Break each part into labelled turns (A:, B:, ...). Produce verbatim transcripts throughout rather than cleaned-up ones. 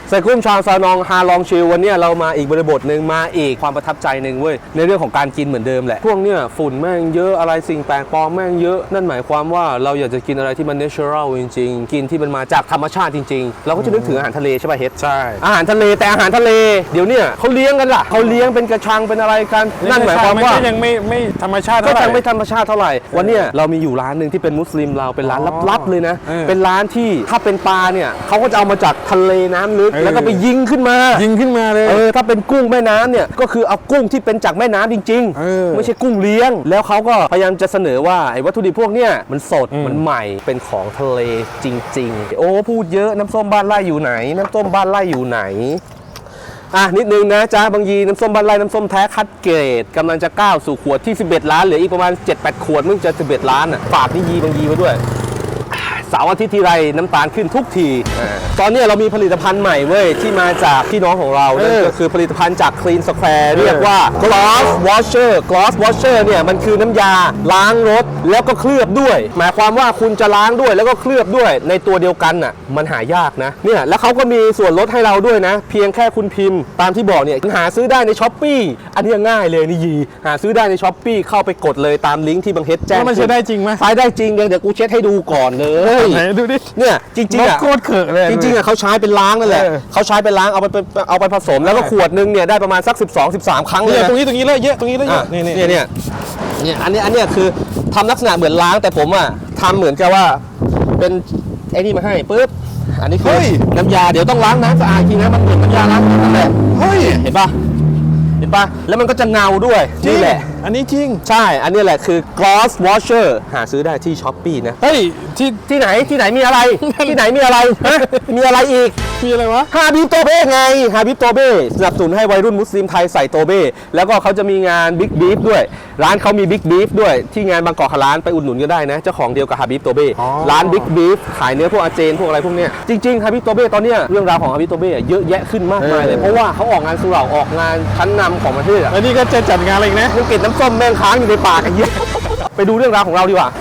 A: ใส่กุ้งชาวซานองฮาลองชิลวันนี้เรามาอีกบริบทหนึ่งมาอีกความประทับใจหนึ่งเว้ยในเรื่องของการกินเหมือนเดิมแหละพวกเนี้ยฝุ่นแม่งเยอะอะไรสิ่งแปลกปลอมแม่งเยอะนั่นหมายความว่าเราอยากจะกินอะไรที่มันเนเชอรัลจริงๆกินที่มันมาจากธรรมชาติจริงๆเราก็จะนึกถึงอาหารทะเลใช่ป่ะเฮ็ด
B: ใช่
A: อาหารทะเลแต่อาหารทะเลเดี๋ยวเนี่ยเขาเลี้ยงกันล่ะเขาเลี้ยงเป็นกระชังเป็นอะไรกันนั่นหมายความว่า
B: ยังไม่ไม่ธรรมชาติ
A: ก็ยังไม่ธรรมชาติเท่าไหร่วันนี้เรามีอยู่ร้านหนึ่งที่เป็นมุสลิมเราเป็นร้านลับๆเลยนะเป็นร้านที่ถ้าเป็นปลาเนี่ยเขาก็จะเอามาจากทะเลน้ำลึกแล้วก็ไปยิงขึ้นมา
B: ยิงขึ้นมาเลย
A: เออถ้าเป็นกุ้งแม่น้ำเนี่ยก็คือเอากุ้งที่เป็นจากแม่น้ำจริงๆไม่ใช่กุ้งเลี้ยงแล้วเขาก็พยายามจะเสนอว่าไอ้วัตถุดิบพวกเนี้ยมันสดมันใหม่เป็นของทะเลจริงๆโอ้พูดเยอะน้ำส้มบ้านไร่อยู่ไหนน้ำส้มบ้านไร่อยู่ไหนอ่ะนิดนึงนะจ๊ะบางยีน้ำส้มบ้านไร่น้ำส้มแท้คัดเกรดกำลังจะก้าวสู่ขวดที่สิบเอ็ดล้านเหลืออีกประมาณ เจ็ดแปด ขวดมึงจะสิบเอ็ดล้านอ่ะฝากนี่ยีบางยีไว้ด้วยเสาร์อาทิตย์ทีไรน้ำตาลขึ้นทุกทีตอนนี้เรามีผลิตภัณฑ์ใหม่เว้ยที่มาจากพี่น้องของเรานั่นก็คือผลิตภัณฑ์จาก Clean Square เรียกว่า Gloss Washer Gloss Washer เนี่ยมันคือน้ำยาล้างรถแล้วก็เคลือบด้วยหมายความว่าคุณจะล้างด้วยแล้วก็เคลือบด้วยในตัวเดียวกันน่ะมันหายากนะเนี่ยแล้วเขาก็มีส่วนลดให้เราด้วยนะเพียงแค่คุณพิมพ์ตามที่บอกเนี่ยหาซื้อได้ใน Shopee อันนี้ง่ายเลยนี่ยีหาซื้อได้ใน Shopee เข้าไปกดเลยตามลิงก์ที่บังเฮ็ดแจ้ง
B: มันใช้ได้จริงไหม
A: ใช้ได้จริงเดี๋ยวกูเช็ดให้ดูก่อนเลย
B: ไหนดูดิ
A: เนี่ยจริงๆอ่ะ
B: โคตรเขอะเลย
A: จริงๆอ่ะเขาใช้เป็นล้างนั่นแหละเขาใช้เป็นล้างเอาไปเอาไปผสมแล้วก็ขวดนึงเนี่ยได้ประมาณสักสิบสอง สิบสามครั้งเลย
B: ตรงนี้ตรงนี้เลยเยอะตรงนี้เลยเยอะ
A: นี่เนี่ยเนี่ยเนี่ยอันนี้อันนี้คือทำลักษณะเหมือนล้างแต่ผมอ่ะทำเหมือนกับว่าเป็นไอ้นี่มาให้ปุ๊บอันนี้คือน้ำยาเดี๋ยวต้องล้างน้ำสะอาดจริงนะมันเหมือนน้ำยาล้างนั่นแหละ
B: เฮ้ย
A: เห็นป่ะเห็นป่ะแล้วมันก็จะเงาด้วยนี่แหละ
B: อันนี้จริง
A: ใช่อันนี้แหละคือ Gloss Washer หาซื้อได้ที่ Shopee นะ
B: เฮ้ยที่
A: ที่ไหนที่ไหนมีอะไรที่ไหนมีอะไรมีอะไรอีก
B: มีอะไรวะ
A: ฮาบิบโตเบ้ไงฮาบิบโตเบ้สนับสนุนให้วัยรุ่นมุสลิมไทยใส่โตเบ้แล้วก็เขาจะมีงานบิ๊กบีฟด้วยร้านเขามีบิ๊กบีฟด้วยที่งานบางกอกร้านไปอุดหนุนก็ได้นะเจ้าของเดียวกับฮาบิบโตเบ้ร้านบิ๊กบีฟขายเนื้อพวกอาเจนพวกอะไรพวกเนี้ยจริงๆฮาบิบโตเบ้ตอนเนี้ยเรื่องราวของฮาบิบโตเบ้เยอะแยะขึ้นมากมายเลยเพราะว่าเขาออกงานสุเหร่าออกงานชั้นนำของประเทศ
B: แล้วนี่ก็จะจัดงานอะไรอีกนะ
A: ยังเก็บน้ำส้มแม่งค้างอยู่ในปากกันเยอะไปดูเรื่องราวของเราดีกว่า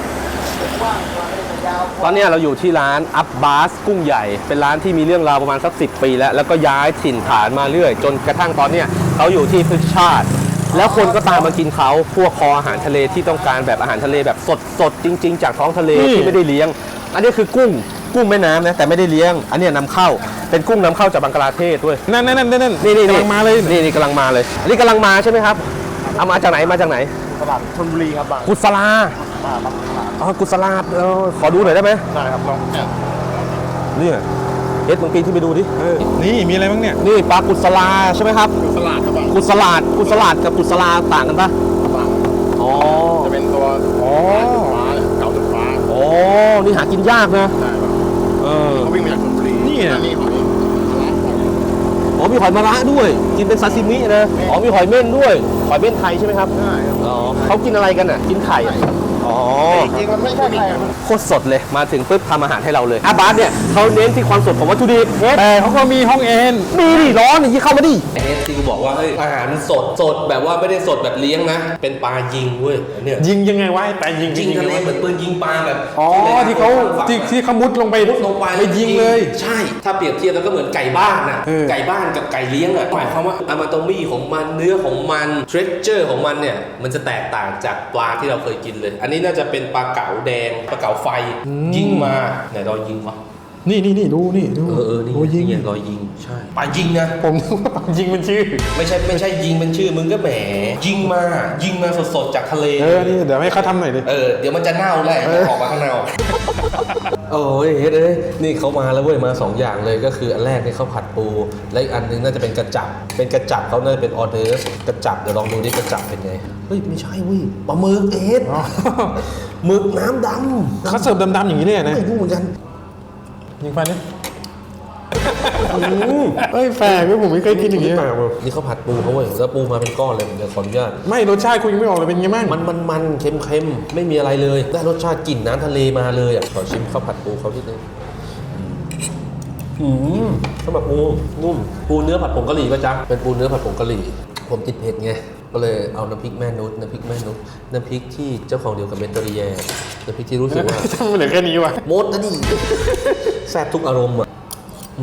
A: ตอนนี้เราอยู่ที่ร้านอับบาสกุ้งใหญ่เป็นร้านที่มีเรื่องราวประมาณสักสิบปีแล้วแล้วก็ย้ายถิ่นฐานมาเรื่อยจนกระทั่งตอนนี้เขาอยู่ที่พฤกษชาติแล้วคนก็ตามมากินเขาพวกคออาหารทะเลที่ต้องการแบบอาหารทะเลแบบสดสดจริงๆจากท้องทะเลที่ไม่ได้เลี้ยงอันนี้คือกุ้งกุ้งแม่น้ำนะแต่ไม่ได้เลี้ยงอันนี้นำเข้าเป็นกุ้งนำเข้าจากบังกลาเทศด้วย
B: นั่นนั่นนั่นนั่น
A: นี่นี่
B: กำลังมาเลย
A: นี่นี่กำลังมาเลยอันนี้กำลังมาใช่ไหมครับเอามาจากไหนมาจากไหน
C: ตลาดชลบุรีครับบาง
A: กุศลาอ๋อกุศลาเออขอดูหน่อยได้ไหม
C: ได้ครับลอง
A: นี่เอ็ดลองปีนที่ไปดูดิ
B: นี่มีอะไรบ้างเนี่ย
A: นี่ปลากุศลาใช่ไหมครับ
C: กุศลาครับบาง
A: กุศลากุศลากับกุศลาต่างกันปะอ๋อ
C: จะเป็นตัวอ๋อฟ้าเก่าจุดฟ้า
A: อ๋อนี่หากินยากนะ
C: ใช่ครับ
A: เออ
C: เขาวิ่งมาจากชลบุรี
A: นี่
C: นี่หอย
A: อ๋อมีหอยมะระด้วยกินเป็นซาซิมินะอ๋อมีหอยเม่นด้วยหอยเม่นไทยใช่ไหมครับ
C: ใช่ครับ
A: อ๋อเขากินอะไรกันอ่ะกินไข่อ๋อ
C: จริงมันไม่ใช่ไข่
A: โคตรสดเลยมาถึงปุ๊บทำอาหารให้เราเลยอาบาสเนี่ยเขาเน้นที่ความสดของวัตถุดิบ
B: แต่เขาก็มีห้องเอ็น
A: มีดิร้อนอย่างนี้เข้ามาดิเอสที่กูบอกว่าเฮ้ยอาหารสดสดแบบว่าไม่ได้สดแบบเลี้ยงนะเป็นปลายิงเว้ยเนี่ย
B: ยิงยังไงวะปลายิง
A: ยิงทะเลเหมือนปืนยิงปลาแบบ
B: อ๋อที่เขาที่ที่เขามุดลงไป
A: มุดลงไป
B: ไปยิงเลย
A: ใช่ถ้าเปรียบเทียบแล้วก็เหมือนไก่บ้านน่ะไก่บ้านกับไก่เลี้ยงอ่ะหมายความว่าอะมาโตมี่ของมันเนื้อของมันเทรเจอร์ของมันเนี่ยมันจะแตกต่างจากปลาที่เราเคยกินเลยอันนี้น่าจะเป็นปลาเก๋าแดงปลาเก๋าไฟยิงมาไหนรอยยิงวะ
B: นี่นี่นี่ดูนี่ดู
A: เออเออนี่ยิงรอยยิงใช่ปลายิงนะ
B: ผมนึกว่าปลายิงเป็นชื่อ
A: ไม่ใช่ไม่ใช่ยิงเป็นชื่อมึงก็แหมยิงมายิงมาสดๆจากทะเล
B: เออนี่เดี๋ยวให้เขาทำหน่อยดิ
A: เออเดี๋ยวมันจะเน่าแหละออกมาข้างนอกโอ้ยเฮ้ยเอ้ยนี่เขามาแล้วเว้ยมาสองอย่างเลยก็คืออันแรกนี่เขาผัดปูและอีกอันนึงน่าจะเป็นกระจับเป็นกระจับเขาน่าจะเป็นออเดอร์กระจับเดี๋ยวลองดูดิกระจับเป็นไงเฮ้ยไม่ใช่เว้ยปลาหมึกเอ็ดหมึกน้ำดำ
B: เขาเสิร์ฟดำๆอย่างนี้เลยนะ
A: ไม่รู้เหมือนกัน
B: ยิงไปนี่เฮ้ยแฝงผมไม่เคยกินอย่างนี้
A: นี่เขาผัดปูเขาเว้ยแล้วปูมาเป็นก้อนเลยเดี๋ยวขออนุญาต
B: ไม่รสชาติคุณยังไม่ออกเลยเป็นยังไงบ้าง
A: มันมันมันเค็มเค็มไม่มีอะไรเลยได้รสชาติกลิ่นน้ำทะเลมาเลยอ่ะขอชิมข้าวผัดปูเขาทีนึงอืมข้าวผัดปูนุ่มปูเนื้อผัดผงกะหรี่ป่ะจ๊ะเป็นปูเนื้อผัดผงกะหรี่ผมติดเผ็ดไงก็เลยเอาน้ำพริกแม่นุชน้ำพริกแม่นุชน้ำพริกที่เจ้าของเดียวกับเมนเตอรีแยน้ำพริกที่รู้สึกว่า
B: ทำไมเหลือแค่นี้วะ
A: หมดนะดิแซ่บทุกอารมณ์อ่ะ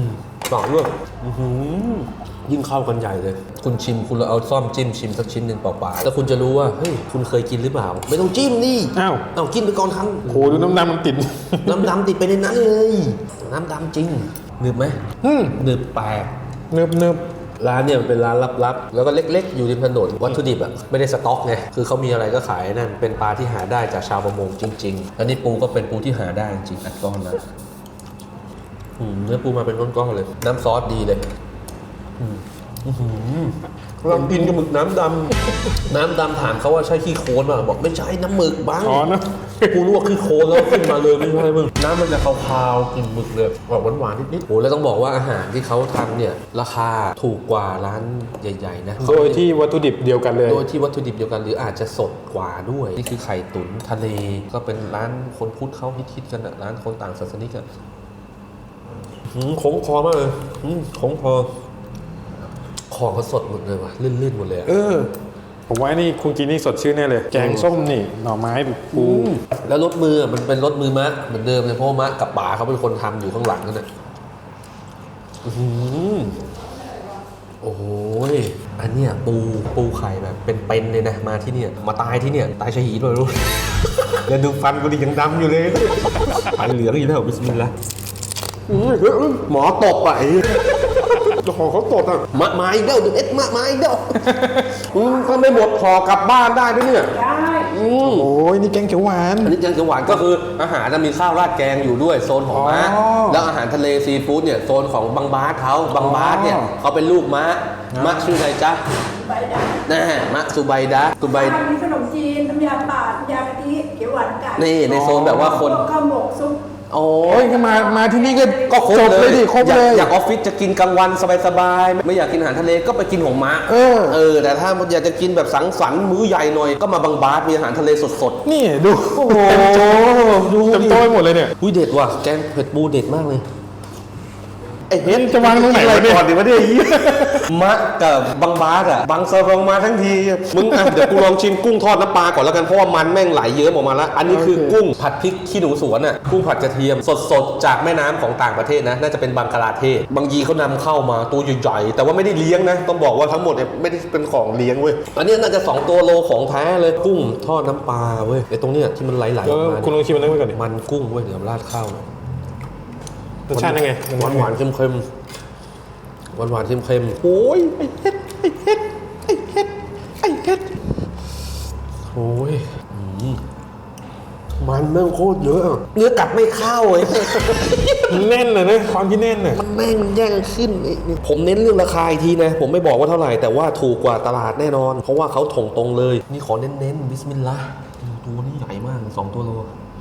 A: ต่อด้วยยิ่งเข้ากันใหญ่เลย คุณชิมคุณเราเอาซ่อมจิ้มชิมสักชิ้นหนึ่งเปล่าๆแล้วคุณจะรู้ว่าเฮ้ยคุณเคยกินหรือเปล่า ไม่ต้องจิ้มนี่
B: อ้าว
A: เอากินไปก่อนครั้ง
B: โหดูน้ำดำมันติด
A: น้ำดำติดไปในนั้นเลย น้ำดำจริงหนึบไหม
B: อืม
A: หนึบแปลก
B: เนิบเนิบ
A: ร้านเนี่ยมันเป็นร้านลับๆ แล้วก็เล็กๆ อยู่ริมถนนวัตถุดิบอ่ะไม่ได้สต็อกไงคือเขามีอะไรก็ขายนั่นเป็นปลาที่หาได้จากชาวประมงจริงๆอันนี้ปูก็เป็นปูที่หาได้จริงๆอัดก้อนนะอืมเนื้อปูมาเป็นก้อนๆเลย น้ำซอสดีเลยอืมอื้อหือเรากินกับหมึกน้ำดำ น้ำดำถามเขาว่าใช่ขี้โคลนป่ะบอกไม่ใช่น้ำหมึกบ้าง
B: อ๋อนะ
A: กูลวกขี้โคลนแล้วขึ้นมาเลยไม่ใช่มึงน้ำมันจะคาวๆกลิ่นหมึกเลยออกหวานๆนิดๆโอ้แล้วต้องบอกว่าอาหารที่เขาทำเนี่ยราคาถูกกว่าร้านใหญ่ๆนะ
B: โดยที่วัตถุดิบเดียวกันเลย
A: โดยที่วัตถุดิบเดียวกันหรืออาจจะสดกว่าด้วยนี่คือไข่ตุ๋นทะเลก็เป็นร้านคนพุทธเขาฮิตๆกันอะร้านคนต่างศาสนิกอะหืมคงคอมากเลยหืมคงคอของเขาสดหมดเลยว่ะลื่นๆหมดเลยอะ
B: เออ ผมว่านี่คุณกินนี่สดชื่นแน่เลย แกงส้มนี่ หน่อไม้ปู
A: แล้วรสมือมันเป็นรสมือมะเหมือนเดิมเลยเพราะว่ามะกับป๋าเขาเป็นคนทำอยู่ข้างหลังนั่นแหละอื้อหือโอ้โหยอันเนี้ยปูปูไข่แบบเป็นๆเลยนะมาที่เนี่ยมาตายที่เนี่ยตายชะหีด้วยรู้ แล้วดูฟันกูดิยังดำอยู่เลยฟันเหลืองอยู่แล้วบิสมิลลาห์อื้อหือหมอตบอ่ะไอ้
B: เจ้าของเขาตดอ่ะ
A: มะไม้เด้อดูเอ็ดมะไม้เด้ออืมถ้าไม่หมดห่อกลับบ้านได้ด้วยเนี่ยได้อืม
B: โอ้ยนี่แกงเขียวหวาน
A: อันนี้แกงเขียวหวานก็คืออาหารจะมีข้าวราดแกงอยู่ด้วยโซนของม้า
B: อ๋อ
A: แล้วอาหารทะเลซีฟู้ดเนี่ยโซนของบังบาสเขาบังบาสเนี่ย
B: อ๋อ
A: เขาเป็นลูกม้า
B: ครับ
A: มะชื่ออะไรจ๊ะ
D: ใบดา
A: น่มะสุไบดะสุไบ
D: บ้านมีขนมจีนน้ำยาป่าน้ำยากะทิเขียวหวานไก่
A: นี่ในโซนแบบว่าคน
D: พวกข้าวหมกซุป
A: โอ้
B: โอ้ยก็มา มาที่นี่ก็
A: ก็ครบ
B: จบเลยดิครบ
A: อยาก
B: เลย
A: อยากออฟฟิศจะกินกลางวันสบายๆไม่อยากกินอาหารทะเลก็ไปกินของม้า
B: เออ
A: เออแต่ถ้าอยากจะกินแบบสังสรรค์มื้อใหญ่หน่อยก็มาบังบาสมีอาหารทะเลสดๆ
B: นี่ดู
A: โอ้โหดู
B: เต็ม
A: ดิ
B: โต๊ะไปหมดเลยเนี่ย
A: อุ้ยเด็ดว่ะแกงเผ็ดปูเด็ดมากเลยไอ้เฮ็ด
B: จะวางตรงไหน
A: กิอะ
B: เนี่ย
A: ก่อนดิวะเนี่ยยี่มะกับบังบาสอ่ะบังเซอร์บังมาทั้งทีมึงอ่ะเดี๋ยวกูลองชิมกุ้งทอดน้ำปลาก่อนแล้วกันเพราะว่ามันแม่งไหลเยิ้มออกมาแล้วอันนี้คือกุ้งผัดพริกขี้หนูสวนอ่ะกุ้งผัดกระเทียมสดๆจากแม่น้ำของต่างประเทศนะน่าจะเป็นบังกลาเทศบางยีเขานำเข้ามาตัวใหญ่ๆแต่ว่าไม่ได้เลี้ยงนะต้องบอกว่าทั้งหมดเนี่ยไม่ได้เป็นของเลี้ยงเว้ยอันนี้น่าจะสองตัวโลของแท้เลยกุ้งทอดน้ำปลาเว้ยไอ้ตรงเนี้ยที่มันไหลๆอ
B: เอ
A: อก
B: อ
A: มา
B: คุณลองชิมอันนั้นไปก่อนดิ
A: มันกุ้งเว้ยเดี๋ยวราดข้าว
B: รสชาติยังไง
A: หวานหวานๆเค็มเค็มหวานหวานๆเค็มเค็มโอ้ยไอ้เฮ็ดไอ้เฮ็ดไอ้เฮ็ดไอ้เฮ็ดโอ้ยอืมมันแม่งโคตรเยอะอะเนื้อกัดไม่เข้าเลย
B: แน่นเลยนะความที่แน่นน่ะ
A: มันแม่งแย่งขึ้นไอ้นี่ผมเน้นเรื่องราคาอีกทีนะ ผมไม่บอกว่าเท่าไหร่ แต่ว่าถูกกว่าตลาดแน่นอน เพราะว่าเขาถงตรงเลย นี่ขอเน้นๆบิสมิลลาห์ตัวนี้ใหญ่มากสองตัวโล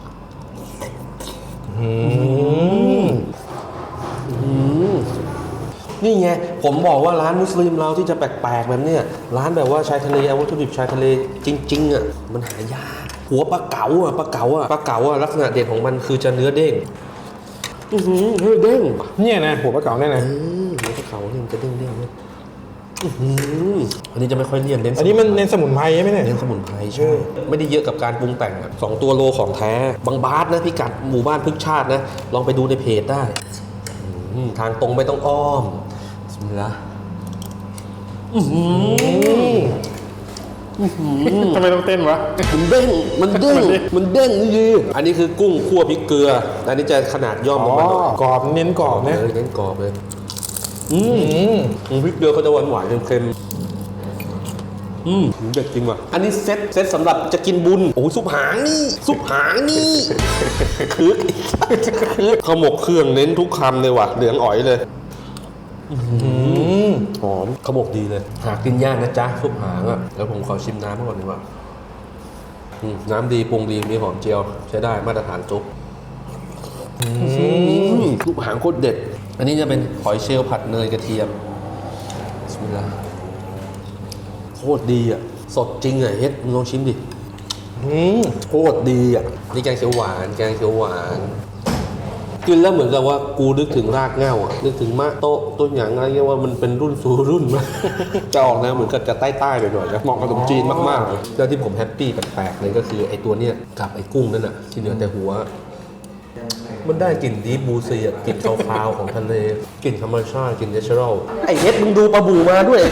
B: อืม
A: นี่ไงผมบอกว่าร้านมุสลิมเราที่จะแปลกๆแบบเนี้ยร้านแบบว่าชายทะเลเอาวัตถุดิบชายทะเลจริงๆอ่ะมันหายากหัวปลาเก๋าอ่ะปลาเก๋าอ่ะปลาเก๋าอ่ะลักษณะเด่นของมันคือจะเนื้อเด้งอือหือเนื้อเด้ง
B: เนี่ยนะหัวปลาเก๋าเนี่ยนะ
A: อืมหัวปลาเก๋าเนี่ยมันจะเด้งๆเนี่ยอื้อหืออันนี้จะไม่ค่อยเลี่ยนเน้น
B: อันนี้มันเน้นสมุนไพรใช่ไหมเนี่ย
A: เน้นสมุนไพรใช่ไม่ได้เยอะกับการปรุงแต่งอะสองตัวโลของแท้บางบาสนะพิกัดหมู่บ้านพฤกษชาตินะลองไปดูในเพจได้อืมทางตรงไม่ต้องอ้อมบิสมิลลาห์อื้อหือ
B: ทำไมต้องเต้นวะ
A: มันเด้ง มันเด้ง มันเด้งนี่ดีอันนี้คือกุ้งคั่วพริกเกลือ อันนี้จะขนาดย่อมล
B: อ๋
A: ง
B: อ
A: มาหน่อย
B: กรอบเน้นกรอบนะ
A: เลยเน้นกรอบเลย อืมพริกเกลือเขาจะหวานหวานๆเค็มๆอืมเด็ดจริงว่ะ อันนี้เซ็ตเซ็ตสำหรับจะกินบุญ โอ้ยซุปหางนี่ ซุปหางนี่คือคือขมกเครื่องเน้นทุกคำเลยว่ะ เหลืองอ๋อยเลยหอมขมกดีเลย หากินยากนะจ๊ะซุปหางอ่ะ แล้วผมขอชิมน้ำก่อนดีกว่า อืมน้ำดีปรุงดีมีหอมเจียว ใช้ได้มาตรฐานจุ๊บลูกหางโคตรเด็ด อันนี้จะเป็นหอยเชลล์ผัดเนยกระเทียมบิสมิลลาห์โคตรดีอ่ะ สดจริงอ่ะเฮ็ดมึงลองชิมดิ
B: อืม
A: โคตรดีอ่ะ นี่แกงเขียวหวาน แกงเขียวหวานกินแล้วเหมือนกับว่ากูนึกถึงรากเหง้าอ่ะนึกถึงมะโต๊ะต้นหยางอะไรเงี้ยว่ามันเป็นรุ่นสู่รุ่นมาก จะออกแนวเหมือนกับจะใต้ๆหน่อยๆนะเหมาะกับขนมจีนมากๆเลยแล้วที่ผมแฮปปี้แปลกๆเลยก็คือไอ้ตัวเนี้ยกับไอ้กุ้งนั่นน่ะที่เหลือแต่หัวมันได้กลิ่นดีบูซีอ่ะกลิ่นคาวๆของทะเลกลิ่นธรรมชาติกลิ่นเนเชอรัลไอเฮ็ดมึงดูปลาบูมาด้วย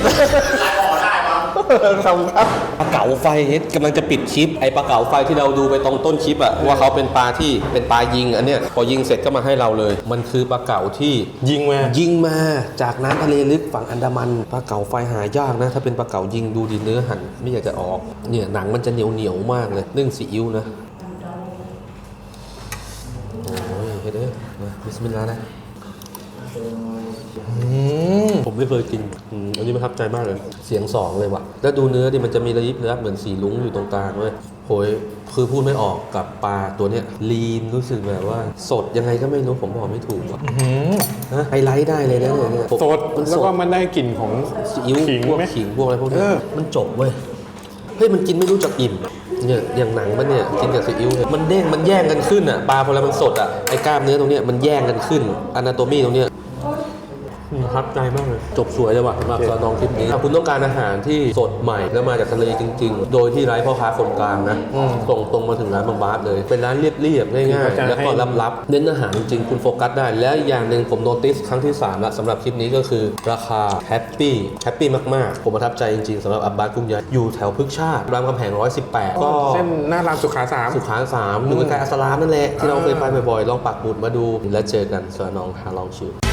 A: ขอบคุณครับปลาเก๋าไฟเฮ็ดกำลังจะปิดคลิปไอปลาเก๋าไฟที่เราดูไปตรงต้นคลิปอ่ะว่าเขาเป็นปลาที่เป็นปลายิงอันเนี้ยพอยิงเสร็จก็มาให้เราเลย มันคือปลาเก๋าที่
B: ยิงมา
A: ยิงมาจากน้ำทะเลลึกฝั่งอันดามันปลาเก๋าไฟหายากนะถ้าเป็นปลาเก๋ายิงดูดีเนื้อหั่นไม่อยากจะออกเนี่ยหนังมันจะเหนียวเหนียวๆมากเลยนึ่งซีอิ๊วนะโอ้ยเฮ็ดเอ้ยมาบิสมิลลาห์นะผมไม่เคยกินอืมอันนี้ประทับใจมากเลยเสียงสองเลยว่ะแล้วดูเนื้อดิมันจะมีระยิบระยับเหมือนสีลุ้งอยู่ตรงกลางเว้ยโหยคือพูดไม่ออกกับปลาตัวเนี้ยลีนรู้สึกแบบว่าสดยังไงก็ไม่รู้ผมบอกไม่ถูกว่ะฮะไฮไลท์ได้เลยนะเนี่ย
B: สด
A: มัน
B: แล้ว
A: สด
B: ก็มันได้กลิ่นของ
A: ซีอิ๊ว
B: ขิง
A: พวก
B: ไหม
A: ขิงพวกอะไรพวกนี้
B: เออ
A: มันจบเว้ยเฮ้ยมันกินไม่รู้จักอิ่มเนี่ยอย่างหนังมันเนี่ยกินกับซีอิ๊วเนี่ยมันเด้งมันแย่งกันขึ้นอ่ะปลาพอแล้วมันสดอ่ะไอ้กล้ามเนื้อตรงเนี้ยมันแย่งกันขึ้นอนาโตมีตรงเนี้ยประทับใจมากเลยจบสวยเลยว่ะสำหรับซาน้องคลิปนี้ถ้าคุณต้องการอาหารที่สดใหม่แล้วมาจากทะเลจริงๆ โดยที่ไร้พ่อค้าคนกลางนะส่งตรงมาถึงร้านบางบาสเลยเป็นร้านเรียบๆง่ายๆแล้วก็ลับๆเน้นอาหารจริงๆคุณโฟกัสได้และอย่างหนึ่งผมโนติสครั้งที่สามละสำหรับคลิปนี้ก็คือราคาแฮปปี้แฮปปี้มากๆผมประทับใจจริงๆสำหรับอับบาสกุ้งใหญ่อยู่แถวพฤกษชาติรามคำแหงหนึ่งร้อยสิบแปดก็
B: เส้นหน้ารามสุขาสาม
A: สุขาสามอยู่ใกล้ๆอัสลามนั่นแหละที่เราเคยไปบ่อยๆลองปักหมุดมาดูแล้วเจอกันสวัสดีน้องฮาลองชิว